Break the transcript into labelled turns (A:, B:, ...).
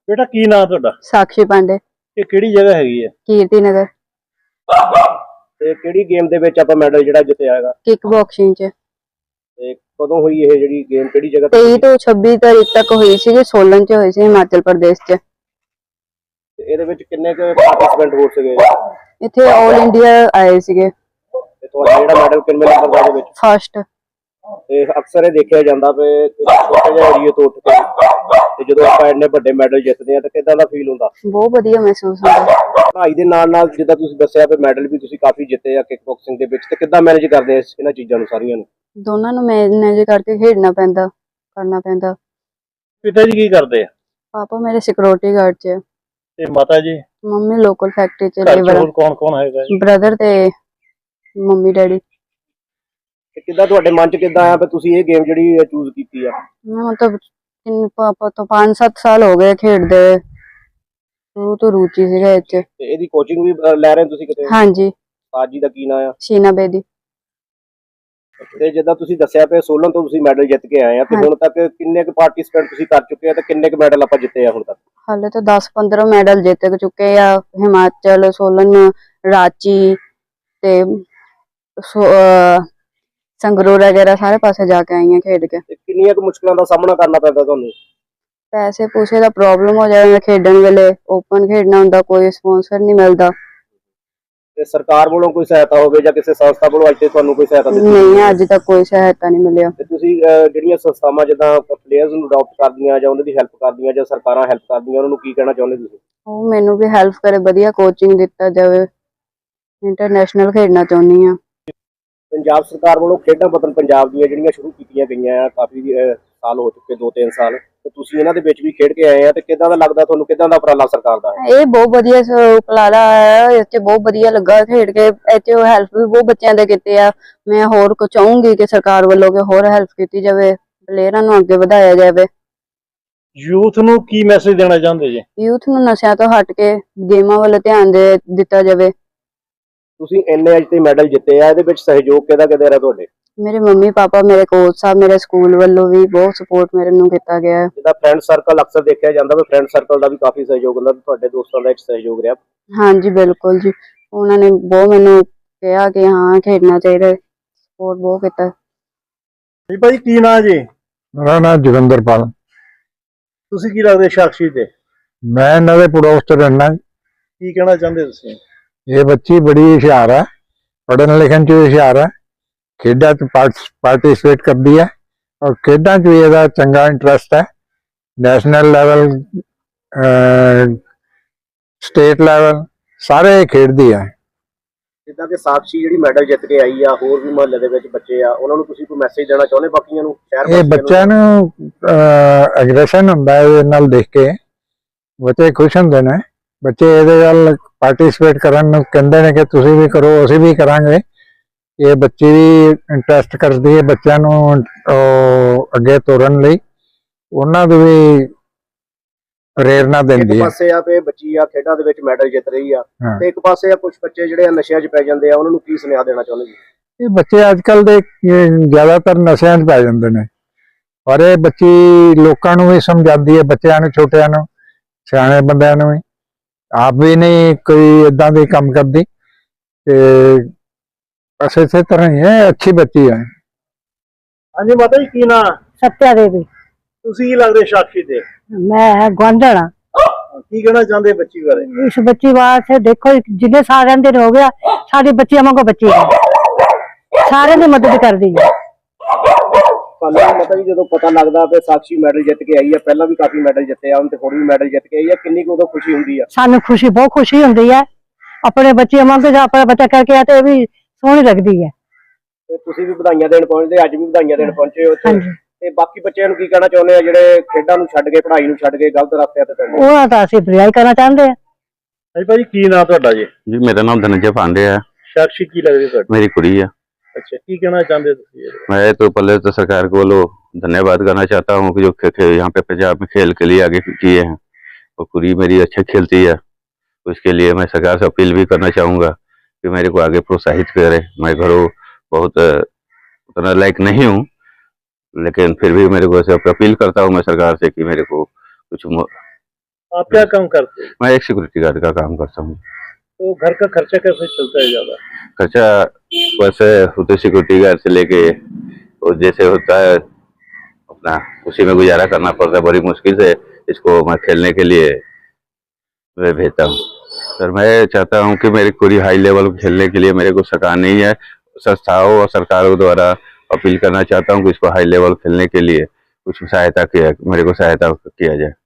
A: बेटा की नाम ਤੁਹਾਡਾ?
B: साक्षी पांडे,
A: ਇਹ ਕਿਹੜੀ ਜਗ੍ਹਾ ਹੈਗੀ ਹੈ
B: कीर्ति नगर,
A: ਤੇ ਕਿਹੜੀ ਗੇਮ ਦੇ ਵਿੱਚ ਆਪਾਂ ਮੈਡਲ ਜਿਹੜਾ ਜਿੱਤਿਆ ਹੈਗਾ
B: किक बॉक्सिंग च
A: ਤੇ ਕਦੋਂ ਹੋਈ ਇਹ ਜਿਹੜੀ ਗੇਮ ਕਿਹੜੀ ਜਗ੍ਹਾ ਤੇ
B: 23 ਤੋਂ 26 ਤਾਰੀਖ ਤੱਕ ਹੋਈ ਸੀ। सोलन च ਹੋਈ ਸੀ, हिमाचल प्रदेश च।
A: ਤੇ ਇਹਦੇ ਵਿੱਚ ਕਿੰਨੇ ਕੁ ਪਾਰਟਿਸਪੈਂਟ ਹੋ ਸਕੇ
B: ਇੱਥੇ ਆਲ ਇੰਡੀਆ ਆਏ ਸੀਗੇ,
A: ਤੇ ਤੁਹਾਡਾ ਜਿਹੜਾ ਮੈਡਲ ਕਿੰਨੇ ਨੰਬਰ ਦਾ ਇਹਦੇ ਵਿੱਚ?
B: ਫਸਟ।
A: ਤੇ ਅਕਸਰ ਇਹ ਦੇਖਿਆ ਜਾਂਦਾ ਵੀ ਛੋਟੇ ਜਿਹੇ ਏਰੀਏ ਤੋਂ ਉੱਠ ਕੇ ਤੇ ਜਦੋਂ ਆਪਾਂ ਇੰਨੇ ਵੱਡੇ ਮੈਡਲ ਜਿੱਤਦੇ ਆ ਤਾਂ ਕਿਦਾਂ ਦਾ ਫੀਲ ਹੁੰਦਾ?
B: ਬਹੁਤ ਵਧੀਆ ਮਹਿਸੂਸ ਹੁੰਦਾ।
A: ਪੜ੍ਹਾਈ ਦੇ ਨਾਲ ਨਾਲ ਜਿੱਦਾਂ ਤੁਸੀਂ ਦੱਸਿਆ ਵੀ ਮੈਡਲ ਵੀ ਤੁਸੀਂ ਕਾਫੀ ਜਿੱਤੇ ਆ ਕਿਕ ਬਾਕਸਿੰਗ ਦੇ ਵਿੱਚ, ਤੇ ਕਿੱਦਾਂ ਮੈਨੇਜ ਕਰਦੇ ਆ ਇਹਨਾਂ ਚੀਜ਼ਾਂ ਨੂੰ ਸਾਰੀਆਂ ਨੂੰ?
B: ਦੋਨਾਂ ਨੂੰ ਮੈਨੇਜ ਕਰਕੇ ਖੇਡਣਾ ਪੈਂਦਾ, ਕਰਨਾ ਪੈਂਦਾ।
A: ਪਿਤਾ ਜੀ ਕੀ ਕਰਦੇ ਆ?
B: ਪਾਪਾ ਮੇਰੇ ਸਿਕਿਉਰਿਟੀ ਗਾਰਡ ਚ,
A: ਤੇ ਮਾਤਾ ਜੀ?
B: ਮੰਮੀ ਲੋਕਲ ਫੈਕਟਰੀ ਚ
A: ਘਰ 'ਚ
B: ਲੇਬਰ।
A: ਹੋਰ ਕੌਣ ਕੌਣ ਹੈਗਾ ਜੀ?
B: ਬ੍ਰਦਰ ਤੇ ਮੰਮੀ ਡੈਡੀ।
A: ਤੇ ਕਿੱਦਾਂ ਤੁਹਾਡੇ ਮਨ 'ਚ ਕਿੱਦਾਂ ਆਇਆ ਵੀ ਤੁਸੀਂ ਇਹ ਗੇਮ ਜਿਹੜੀ ਚੂਜ਼ ਕੀਤੀ ਆ?
B: ਮਤਲਬ ਪਾਪਾ ਤੋਂ 5-7 ਸਾਲ ਹੋ ਗਏ ਖੇਡਦੇ, ਸ਼ੁਰੂ ਤੋਂ ਰੁਚੀ ਸੀਗਾ ਇਹ ਚ।
A: ਤੇ ਇਹਦੀ ਕੋਚਿੰਗ ਵੀ ਲੈ ਰਹੇ ਹੋ ਤੁਸੀਂ ਕਿਤੇ?
B: ਹਾਂਜੀ,
A: ਉਸਤਾਦ ਜੀ ਦਾ ਕੀ ਨਾਮ ਆ?
B: ਸ਼ੀਨਾ ਬੇਦੀ।
A: ਤੇ ਜਿੱਦਾਂ ਤੁਸੀਂ ਦੱਸਿਆ ਪਿਆ ਸੋਲਨ ਤੋਂ ਤੁਸੀਂ ਮੈਡਲ ਜਿੱਤ ਕੇ ਆਏ ਆ, ਤੇ ਹੁਣ ਤੱਕ ਕਿੰਨੇ ਕੁ ਪਾਰਟਿਸਪੈਂਟ ਤੁਸੀਂ ਕਰ ਚੁੱਕੇ ਆ ਤੇ ਕਿੰਨੇ ਕੁ ਮੈਡਲ ਆਪਾਂ ਜਿੱਤੇ ਆ ਹੁਣ ਤੱਕ?
B: ਹਾਲੇ ਤਾਂ 10-15 ਮੈਡਲ ਜਿੱਤ ਚੁੱਕੇ ਆ। ਹਿਮਾਚਲ, ਸੋਲਨ, ਰਾਂਚੀ ਤੇ ਸੰਗਰੂਰ ਵਗੈਰਾ ਸਾਰੇ ਪਾਸੇ ਜਾ ਕੇ ਆਈ ਆ ਖੇਡ ਕੇ।
A: ਤੇ ਕਿੰਨੀਆਂ ਕੁ ਮੁਸ਼ਕਲਾਂ ਦਾ ਸਾਹਮਣਾ ਕਰਨਾ ਪੈਂਦਾ ਤੁਹਾਨੂੰ?
B: ਪੈਸੇ ਪੂਸੇ ਦਾ ਪ੍ਰੋਬਲਮ ਹੋ ਜਾਂਦਾ ਖੇਡਣ ਵੇਲੇ, ਓਪਨ ਖੇਡਣਾ ਹੁੰਦਾ, ਕੋਈ ਸਪਾਂਸਰ ਨਹੀਂ ਮਿਲਦਾ।
A: ਤੇ ਸਰਕਾਰ ਵੱਲੋਂ ਕੋਈ ਸਹਾਇਤਾ ਹੋਵੇ ਜਾਂ ਕਿਸੇ ਸੰਸਥਾ ਵੱਲੋਂ ਅੱਜ ਤੇ ਤੁਹਾਨੂੰ ਕੋਈ ਸਹਾਇਤਾ ਦਿੱਤੀ?
B: ਨਹੀਂ, ਅੱਜ ਤੱਕ ਕੋਈ ਸਹਾਇਤਾ ਨਹੀਂ ਮਿਲਿਆ।
A: ਤੇ ਤੁਸੀਂ ਜਿਹੜੀਆਂ ਸੰਸਥਾਵਾਂ ਜਿੱਦਾਂ ਪਲੇਅਰਸ ਨੂੰ ਅਡਾਪਟ ਕਰਦੀਆਂ ਜਾਂ ਉਹਨਾਂ ਦੀ ਹੈਲਪ ਕਰਦੀਆਂ ਜਾਂ ਸਰਕਾਰਾਂ ਹੈਲਪ ਕਰਦੀਆਂ, ਉਹਨਾਂ ਨੂੰ ਕੀ ਕਹਿਣਾ ਚਾਹੁੰਦੇ ਤੁਸੀਂ?
B: ਉਹ ਮੈਨੂੰ ਵੀ ਹੈਲਪ ਕਰੇ, ਵਧੀਆ ਕੋਚਿੰਗ ਦਿੱਤਾ ਜਾਵੇ। ਇੰਟਰਨੈਸ਼ਨਲ ਖੇਡਣਾ ਚਾਹੁੰਦੀ ਆ।
A: ਪੰਜਾਬ ਸਰਕਾਰ ਵੱਲੋਂ ਖੇਡਾਂ ਵਤਨ ਪੰਜਾਬ ਦੀਆਂ ਜਿਹੜੀਆਂ ਸ਼ੁਰੂ ਕੀਤੀਆਂ ਗਈਆਂ ਆ, ਕਾਫੀ ਸਾਲ ਹੋ ਚੁੱਕੇ, 2-3 ਸਾਲ, ਤੇ ਤੁਸੀਂ ਇਹਨਾਂ ਦੇ ਵਿੱਚ ਵੀ ਖੇਡ ਕੇ ਆਏ ਆ, ਤੇ ਕਿੱਦਾਂ ਦਾ ਲੱਗਦਾ ਤੁਹਾਨੂੰ? ਕਿੱਦਾਂ ਦਾ ਉਪਰਾਲਾ ਸਰਕਾਰ ਦਾ ਹੈ?
B: ਇਹ ਬਹੁਤ ਵਧੀਆ ਉਪਰਾਲਾ ਹੈ, ਇਹ 'ਚ ਬਹੁਤ ਵਧੀਆ ਲੱਗਾ ਖੇਡ ਕੇ। ਇਹ 'ਚ ਹੈਲਪ ਵੀ ਬਹੁਤ ਬੱਚਿਆਂ ਦੇ ਕੀਤੇ ਆ। ਮੈਂ ਹੋਰ ਕੁਝ ਚਾਹੂੰਗੀ ਕਿ ਸਰਕਾਰ ਵੱਲੋਂ ਕਿ ਹੋਰ ਹੈਲਪ ਕੀਤੀ ਜਾਵੇ, ਪਲੇਅਰਾਂ ਨੂੰ ਅੱਗੇ ਵਧਾਇਆ ਜਾਵੇ।
A: ਯੂਥ ਨੂੰ ਕੀ ਮੈਸੇਜ ਦੇਣਾ ਚਾਹੁੰਦੇ ਜੀ?
B: ਯੂਥ ਨੂੰ ਨਸ਼ਿਆਂ ਤੋਂ ਹਟ ਕੇ ਗੇਮਾਂ ਵੱਲ ਧਿਆਨ ਦਿੱਤਾ ਜਾਵੇ।
A: ਤੁਸੀਂ ਇੰਨੇ ਅੱਜ ਤੇ ਮੈਡਲ ਜਿੱਤੇ ਆ, ਇਹਦੇ ਵਿੱਚ ਸਹਿਯੋਗ ਕਿਹਦਾ ਰਿਹਾ ਤੁਹਾਡੇ?
B: ਮੇਰੇ ਮੰਮੀ ਪਾਪਾ, ਮੇਰੇ ਕੋਚ ਸਾਹਿਬ, ਮੇਰੇ ਸਕੂਲ ਵੱਲੋਂ ਵੀ ਬਹੁਤ ਸਪੋਰਟ ਮੇਰੇ ਨੂੰ ਕੀਤਾ ਗਿਆ ਹੈ।
A: ਜਿੱਦਾਂ ਫਰੈਂਡ ਸਰਕਲ ਅਕਸਰ ਦੇਖਿਆ ਜਾਂਦਾ ਵੀ ਫਰੈਂਡ ਸਰਕਲ ਦਾ ਵੀ ਕਾਫੀ ਸਹਿਯੋਗ ਹੁੰਦਾ, ਤੁਹਾਡੇ ਦੋਸਤਾਂ ਦਾ ਸਹਿਯੋਗ ਰਿਹਾ?
B: ਹਾਂਜੀ ਬਿਲਕੁਲ ਜੀ, ਉਹਨਾਂ ਨੇ ਬਹੁਤ ਮੈਨੂੰ ਕਿਹਾ ਕਿ ਹਾਂ ਖੇਡਣਾ ਚਾਹੀਦਾ, ਸਪੋਰਟ ਬਹੁਤ ਕੀਤਾ।
A: ਜੀ ਭਾਈ ਕੀ ਨਾਂ ਜੀ?
C: ਮੇਰਾ ਨਾਮ ਜੋਗਿੰਦਰਪਾਲ।
A: ਤੁਸੀਂ ਕੀ ਲੱਗਦੇ ਸਾਕਸ਼ੀ ਤੇ?
C: ਮੈਂ ਇਹਨਾਂ ਦੇ ਪੜੋਸ ਚ ਰਹਿਣਾ।
A: ਕੀ ਕਹਿਣਾ ਚਾਹੁੰਦੇ ਤੁਸੀਂ?
C: ਇਹ ਬੱਚੀ ਬੜੀ ਹੁਸ਼ਿਆਰ ਹੈ, ਪੜ੍ਹਨ ਲਿਖਣ ਚ ਹੁਸ਼ਿਆਰ ਹੈ, ਖੇਡਾਂ ਚ ਪਾਰਟਿਸਿਪੇਟ ਕਰਦੀ ਹੈ ਔਰ ਖੇਡਾਂ ਚ ਵੀ ਇਹਦਾ ਚੰਗਾ ਇੰਟਰਸਟ ਹੈ। ਨੈਸ਼ਨਲ ਲੈਵਲ, ਸਟੇਟ ਲੈਵਲ ਸਾਰੇ ਖੇਡਦੀ ਹੈ।
A: ਜਿੱਦਾਂ ਕਿ ਸਾਕਸ਼ੀ ਜਿਹੜੀ ਮੈਡਲ ਜਿੱਤ ਕੇ ਆਈ ਆ, ਹੋਰ ਵੀ ਮੁਹੱਲੇ ਦੇ ਵਿੱਚ ਬੱਚੇ ਆ, ਉਹਨਾਂ ਨੂੰ ਤੁਸੀਂ ਕੋਈ ਮੈਸੇਜ ਦੇਣਾ ਚਾਹੁੰਦੇ ਬਾਕੀਆਂ ਨੂੰ, ਸ਼ਹਿਰ
C: ਇਹ ਬੱਚਿਆਂ ਨੂੰ ਐਗਰੈਸ਼ਨ ਹੁੰਦਾ ਹੈ ਇਹਦੇ ਨਾਲ ਦੇਖ ਕੇ, ਬੱਚੇ ਖੁਸ਼ ਹੁੰਦੇ ਨੇ। ਬੱਚੇ ਇਹਦੇ ਨਾਲ ਪਾਰਟਿਸਿਪੇਟ ਕਰਨ ਨੂੰ ਕਹਿੰਦੇ ਨੇ ਕਿ ਤੁਸੀਂ ਵੀ ਕਰੋ, ਅਸੀਂ ਵੀ ਕਰਾਂਗੇ। ਇਹ ਬੱਚੀ ਵੀ ਇੰਟਰਸਟ ਕਰਦੀ ਹੈ ਬੱਚਿਆਂ ਨੂੰ ਅੱਗੇ ਤੋਰਨ ਲਈ, ਉਹਨਾਂ ਨੂੰ ਵੀ ਪ੍ਰੇਰਨਾ ਦਿੰਦੀ
A: ਇੱਕ
C: ਹੈ।
A: ਪਾਸੇ ਆ ਤੇ ਬੱਚੀ ਆ ਖੇਡਾਂ ਦੇ ਵਿੱਚ ਮੈਡਲ ਜਿੱਤ ਰਹੀ ਆ, ਤੇ ਇੱਕ ਪਾਸੇ ਆ ਕੁਝ ਬੱਚੇ ਜਿਹੜੇ ਆ ਨਸ਼ਿਆਂ 'ਚ ਪੈ ਜਾਂਦੇ ਆ, ਉਹਨਾਂ ਨੂੰ ਕੀ ਸੁਨੇਹਾ ਦੇਣਾ ਚਾਹੁੰਦੇ ਜੀ?
C: ਇਹ ਬੱਚੇ ਅੱਜ ਕੱਲ ਦੇ ਜ਼ਿਆਦਾਤਰ ਨਸ਼ਿਆਂ 'ਚ ਪੈ ਜਾਂਦੇ ਨੇ, ਪਰ ਇਹ ਬੱਚੀ ਲੋਕਾਂ ਨੂੰ ਵੀ ਸਮਝਾਉਂਦੀ ਹੈ, ਬੱਚਿਆਂ ਨੂੰ, ਛੋਟਿਆਂ ਨੂੰ, ਸਿਆਣੇ ਬੰਦਿਆਂ ਨੂੰ ਵੀ। ਆਪ ਵੀ ਨਹੀਂ ਕੋਈ ਏਦਾਂ ਦੇ ਕੰਮ ਕਰਦੀ, ਤੇ ਬਸ ਇਸੇ ਤਰ੍ਹਾਂ ਹੀ ਹੈ, ਅੱਛੀ ਬੱਚੀ ਹੈ।
A: ਹਾਂਜੀ ਮਾਤਾ ਜੀ ਕੀ ਨਾਂ?
D: सत्या देवी।
A: ਤੁਸੀਂ ਕੀ ਲੱਗਦੇ ਸਾਕਸ਼ੀ ਤੇ?
D: मैं ग्वांढण हाँ।
A: ਕੀ ਕਹਿਣਾ ਚਾਹੁੰਦੇ ਬੱਚੀ ਬਾਰੇ?
D: इस बच्ची वास्ते देखो जिन्हें सारे दिन हो गया, साडी बच्ची वांगू बच्ची है, सारे दी मदद कर दी है।
A: ਤੁਹਾਨੂੰ ਮਾਤਾ ਜੀ ਜਦੋਂ ਪਤਾ ਲੱਗਦਾ ਕਿ ਸਾਕਸ਼ੀ ਮੈਡਲ ਜਿੱਤ ਕੇ ਆਈ ਆ, ਪਹਿਲਾਂ ਵੀ ਕਾਫੀ ਮੈਡਲ ਜਿੱਤੇ ਆ, ਹੁਣ ਤੇ ਹੁਣ ਵੀ ਮੈਡਲ ਜਿੱਤ ਕੇ ਆਈ ਆ, ਕਿੰਨੀ ਕੁ ਉਦੋਂ ਖੁਸ਼ੀ ਹੁੰਦੀ ਆ?
D: सानू खुशी बहुत खुशी हुंदी है, अपने बच्चे वांगू जो अपना बच्चा करके आते भी सोहनी लगदी है।
A: ਤੇ ਤੁਸੀਂ ਵੀ ਵਧਾਈਆਂ ਦੇਣ ਪਹੁੰਚਦੇ, ਅੱਜ ਵੀ ਵਧਾਈਆਂ ਦੇਣ ਪਹੁੰਚੇ ਹੋ ਉੱਥੇ,
D: ਹਾਂਜੀ।
A: ਤੇ ਬਾਕੀ ਬੱਚਿਆਂ ਨੂੰ ਕੀ ਕਹਿਣਾ ਚਾਹੁੰਦੇ ਆ ਜਿਹੜੇ ਖੇਡਾਂ ਨੂੰ ਛੱਡ ਕੇ, ਪੜ੍ਹਾਈ ਨੂੰ ਛੱਡ ਕੇ ਗਲਤ ਰਸਤੇ ਤੇ ਪੈਂਦੇ?
D: ਉਹਨਾਂ ਦਾ ਅਸੀਂ ਬੁਰਾਈ ਕਰਨਾ ਚਾਹੁੰਦੇ हैं।
A: ਹਾਂਜੀ ਭਾਜੀ ਕੀ ਨਾਂ ਤੁਹਾਡਾ ਜੀ?
E: जी मेरा नाम धनंजय पांडे है।
A: ਸਾਕਸ਼ੀ ਕੀ ਲੱਗਦੀ ਤੁਹਾਡੀ?
E: मेरी कुड़ी है।
A: ਅੱਛਾ, ਕੀ ਕਹਿਣਾ ਚਾਹੁੰਦੇ ਤੁਸੀਂ?
E: मैं तो पहले तो सरकार को धन्यवाद करना चाहता हूँ कि जो यहाँ पे पंजाब में खेल के लिए आगे किए हैं, और कुड़ी मेरी अच्छा खेलती है, तो इसके लिए मैं सरकार से अपील भी करना चाहूँगा कि मेरे को आगे प्रोत्साहित करे। मैं घरों बहुत उतना लायक नहीं हूँ, लेकिन फिर भी मेरे को ऐसे अपील करता हूँ मैं सरकार से कि मेरे को कुछ
F: आप क्या काम करते हैं?
E: मैं एक सिक्योरिटी गार्ड का काम करता हूँ।
F: तो घर का खर्चा कैसे चलता है ज्यादा?
E: खर्चा वैसे होते सिक्योरिटी गार्ड से लेके और जैसे होता है अपना उसी में गुजारा करना पड़ता है। बड़ी मुश्किल से इसको मैं खेलने के लिए मैं भेजता हूँ। सर मैं चाहता हूँ कि मेरी पूरी हाई लेवल खेलने के लिए मेरे को सरकार नहीं है, संस्थाओं और सरकारों द्वारा अपील करना चाहता हूँ कि इसको हाई लेवल खेलने के लिए कुछ सहायता किया, मेरे को सहायता किया जाए।